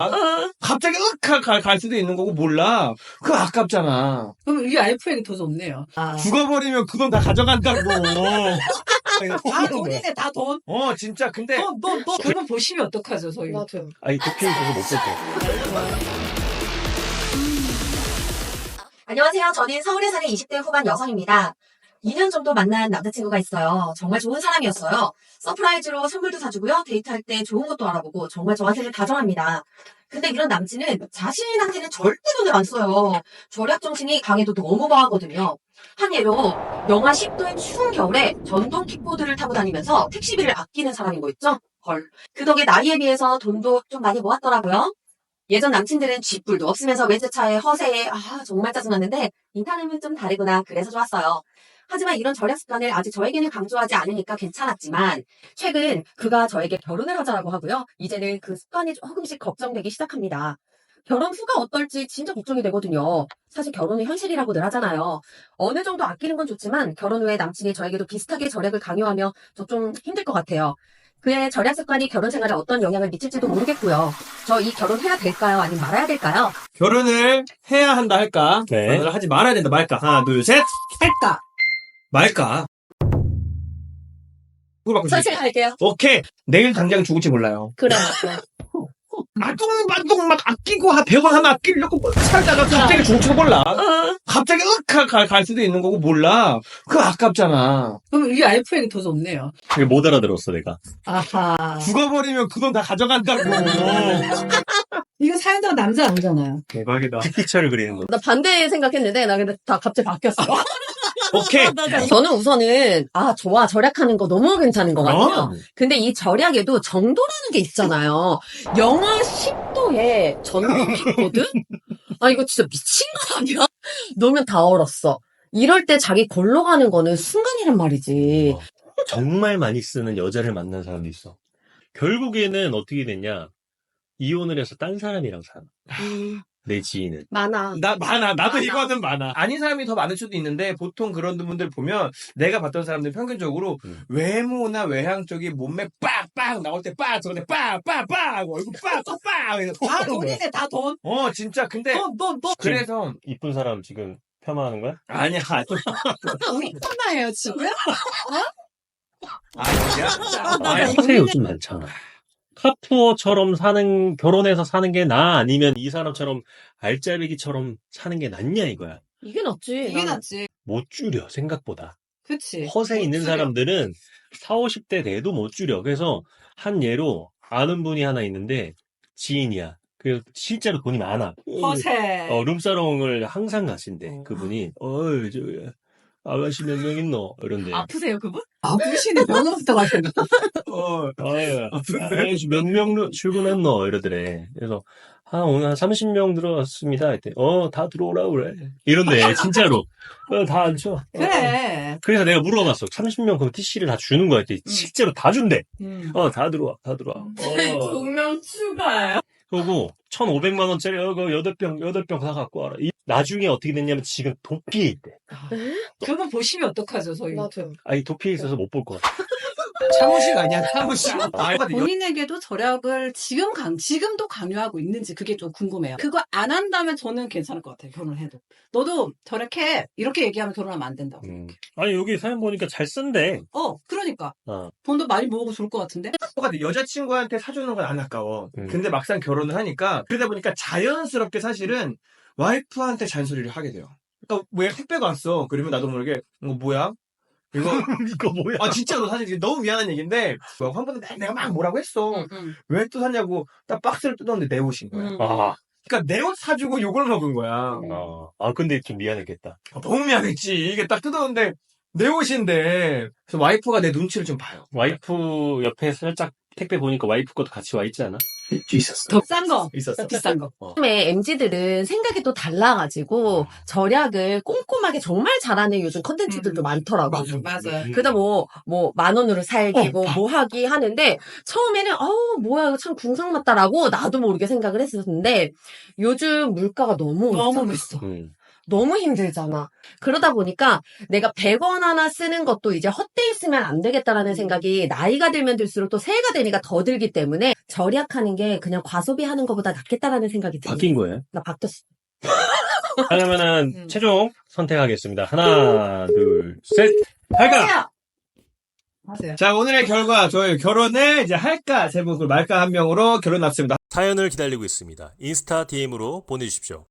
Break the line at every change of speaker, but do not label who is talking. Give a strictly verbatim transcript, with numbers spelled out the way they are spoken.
갑자기 윽 갈, 갈 수도 있는 거고 몰라. 그거 아깝잖아.
그럼 이 와이프에게 더 좋네요. 아.
죽어버리면 그 돈 다 가져간다고.
다 돈이네, 다 돈.
어, 진짜. 근데.
너, 너, 너. 그러면 보시면 어떡하죠, 저희?
맞아요.
아니 도핑 있어서 못 볼게.
안녕하세요. 저는 서울에 사는 이십 대 후반 여성입니다. 이 년 정도 만난 남자친구가 있어요. 정말 좋은 사람이었어요. 서프라이즈로 선물도 사주고요. 데이트할 때 좋은 것도 알아보고 정말 저한테는 다정합니다. 근데 이런 남친은 자신한테는 절대 돈을 안 써요. 절약 정신이 강해도 너무 과하거든요. 한 예로 영하 십 도의 추운 겨울에 전동 킥보드를 타고 다니면서 택시비를 아끼는 사람인 거 있죠? 헐. 그 덕에 나이에 비해서 돈도 좀 많이 모았더라고요. 예전 남친들은 쥐뿔도 없으면서 외제차에 허세에 아 정말 짜증났는데 이 사람은 좀 다르구나 그래서 좋았어요. 하지만 이런 절약 습관을 아직 저에게는 강조하지 않으니까 괜찮았지만 최근 그가 저에게 결혼을 하자라고 하고요. 이제는 그 습관이 조금씩 걱정되기 시작합니다. 결혼 후가 어떨지 진짜 걱정이 되거든요. 사실 결혼은 현실이라고 늘 하잖아요. 어느 정도 아끼는 건 좋지만 결혼 후에 남친이 저에게도 비슷하게 절약을 강요하며 저 좀 힘들 것 같아요. 그의 절약 습관이 결혼 생활에 어떤 영향을 미칠지도 모르겠고요. 저 이 결혼해야 될까요? 아니면 말아야 될까요?
결혼을 해야 한다 할까?
네.
결혼을 하지 말아야 된다 말까? 하나, 둘, 셋.
할까?
말까? 누구 바꾸지?
선생님 할게요.
오케이. 내일 당장 죽을지 몰라요.
그래.
아둥바둥 막 아끼고 한 백 원 하나 아끼려고 살다가 갑자기 죽을지도 몰라. 갑자기 윽 갈, 갈 수도 있는 거고 몰라. 그거 아깝잖아.
그럼 이 와이프에게 더 좋네요.
이게 못 알아들었어 내가.
아하.
죽어버리면 그 돈 다 가져간다고.
이거 사연자가 남자 아니잖아요.
대박이다.
픽처를 그리는 거.
나 반대 생각했는데 나 근데 다 갑자기 바뀌었어.
오케이.
저는 우선은 아 좋아 절약하는 거 너무 괜찮은 것 같아요.
어?
근데 이 절약에도 정도라는 게 있잖아요. 영하 십 도에 전동 킥보드? 아 이거 진짜 미친 거 아니야? 놓으면 다 얼었어. 이럴 때 자기 걸러 가는 거는 순간이란 말이지.
어, 정말 많이 쓰는 여자를 만난 사람도 있어. 결국에는 어떻게 됐냐? 이혼을 해서 딴 사람이랑 살아. 내 지인은.
많아.
나 많아. 나도 이거는 많아. 아닌 사람이 더 많을 수도 있는데 보통 그런 분들 보면 내가 봤던 사람들 평균적으로
음.
외모나 외향 쪽이 몸매 빡빡 나올 때 빡 저런데 빡빡빡 얼굴 빡빡빡
다 돈이네, 다 돈.
어 진짜 근데
너, 너, 너.
그래서
이쁜 사람 지금 폄하하는 거야?
아니야
우리 편나예요, 지금?
아니야 아니,
허세 요즘 많잖아. 카푸어처럼 사는, 결혼해서 사는 게 나아? 아니면 이 사람처럼 알짜배기처럼 사는 게 낫냐 이거야.
이게 낫지.
이게
나는.
낫지.
못 줄여, 생각보다.
그치.
허세 있는
줄여.
사람들은 사오십 대 돼도 못 줄여. 그래서 한 예로 아는 분이 하나 있는데 지인이야. 그 실제로 돈이 많아.
허세.
어, 룸사롱을 항상 가신대.
어.
그분이 어이 저 아가씨 몇 명 있노? 이런데.
아프세요, 그분? 아프시네, 면허부터 가시네.
어,
아유, 아가씨 몇 명 출근했노? 이러더래. 그래서 아 오늘 한 삼십 명 들어왔습니다. 했더니 어 다 들어오라 그래. 이런데 진짜로 어, 다 앉혀.
그래.
그래서 내가 물어봤어. 삼십 명 그럼 티씨를 다 주는 거야? 했더니 실제로 다 준대.
음.
어, 다 들어와, 다 들어와. 어.
분명 추가요.
그리고 천오백만 원짜리 이거 여덟 병, 여덟 병 다 갖고 와라. 이- 나중에 어떻게 됐냐면 지금 도피에 있대.
그분 보시면 어떡하죠, 저희?
맞아요.
아니, 도피에 있어서 못 볼 것 같아.
사무실 아니야 사무실 아,
본인에게도 절약을 지금 강, 지금도 강요하고 있는지 그게 좀 궁금해요. 그거 안 한다면 저는 괜찮을 것 같아요, 결혼을 해도. 너도 절약해. 이렇게 얘기하면 결혼하면 안 된다고.
음. 아니, 여기 사연 보니까 잘 쓴대.
어, 그러니까.
어.
돈도 많이 모으고 좋을 것 같은데?
똑같아. 여자친구한테 사주는 건 안 아까워.
음.
근데 막상 결혼을 하니까 그러다 보니까 자연스럽게 사실은 와이프한테 잔소리를 하게 돼요. 그러니까 왜 택배가 왔어? 그러면 나도 모르게 이거 뭐야? 이거
이거 뭐야?
아 진짜로 사실 이게 너무 미안한 얘기인데 뭐 한 번은 내가 막 뭐라고 했어.
응, 응.
왜 또 샀냐고 딱 박스를 뜯었는데 내 옷인 거야.
응.
아,
그러니까 내 옷 사주고 욕을 먹은 거야.
아, 아, 근데 좀 미안했겠다.
아, 너무 미안했지. 이게 딱 뜯었는데 내 옷인데 그래서 와이프가 내 눈치를 좀 봐요.
와이프 옆에 살짝 택배 보니까 와이프 것도 같이 와 있지 않아?
있었어.
더 싼 거.
있었어.
비싼 거.
요즘에 엠지들은 생각이 또 달라가지고 절약을 꼼꼼하게 정말 잘하는 요즘 컨텐츠들도
음.
많더라고.
맞아.
맞아요.
음.
그러다 뭐, 뭐, 만 원으로 살기고,
어,
뭐 하기 하는데, 처음에는, 어우, 뭐야, 이거 참 궁상맞다라고 나도 모르게 생각을 했었는데, 요즘 물가가 너무
너무
올랐잖아.
비싸.
음.
너무 힘들잖아. 그러다 보니까 내가 백 원 하나 쓰는 것도 이제 헛되이 쓰면 안 되겠다라는 생각이 나이가 들면 들수록 또 새해가 되니까 더 들기 때문에 절약하는 게 그냥 과소비하는 것보다 낫겠다라는 생각이 들어요.
바뀐 거예요?
나 바뀌었어.
그러면은
음.
최종 선택하겠습니다. 하나, 둘, 셋. 할까?
하세요.
자, 오늘의 결과, 저희 결혼을 이제 할까, 세 분, 말까 한 명으로 결혼 났습니다.
사연을 기다리고 있습니다. 인스타 디엠으로 보내주십시오.